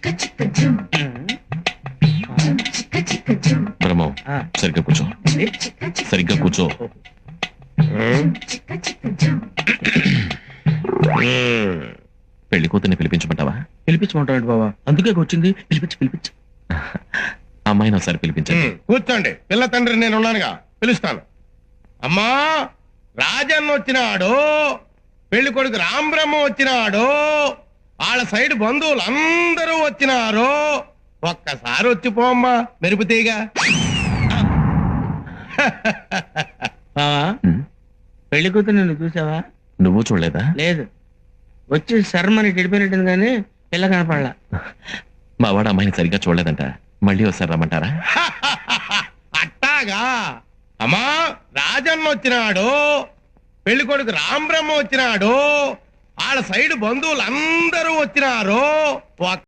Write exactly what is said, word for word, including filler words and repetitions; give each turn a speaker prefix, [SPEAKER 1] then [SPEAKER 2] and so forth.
[SPEAKER 1] బ్రహ్మం సరిగ్గా కూర్చో, సరిగ్గా కూర్చో. పెళ్లి కూతుర్ని పిలిపించమంటావా?
[SPEAKER 2] పిలిపించమంటాడు బాబా, అందుకే వచ్చింది. పిలిపించి పిలిపించు
[SPEAKER 1] అమ్మాయిని ఒకసారి పిలిపించండి.
[SPEAKER 3] కూర్చోండి, పిల్ల తండ్రి నేను ఉన్నానుగా, పిలుస్తాను. అమ్మా, రాజన్న వచ్చినాడు, పెళ్లి కొడుకు రాంబ్రహ్మ వచ్చినాడు, వాళ్ళ సైడ్ బంధువులు అందరూ వచ్చినారు. ఒక్కసారి వచ్చిపోమ్మా మెరుపుతీగా.
[SPEAKER 2] బావా, పెళ్లి కూతురు నిన్ను చూసావా?
[SPEAKER 1] నువ్వు చూడలేదా?
[SPEAKER 2] లేదు, వచ్చి శర్మని గడిపోయినట్టుంది కానీ పిల్ల కనపడలా.
[SPEAKER 1] మా వాడు అమ్మాయిని సరిగ్గా చూడలేదంట, మళ్ళీ ఒకసారి రమ్మంటారా?
[SPEAKER 3] అట్టాగా. అమ్మా, రాజన్న వచ్చినాడు, పెళ్లి కొడుకు రాంబ్రహ్మ వచ్చినాడు, వాళ్ళ సైడ్ బంధువులు అందరూ వచ్చినారు.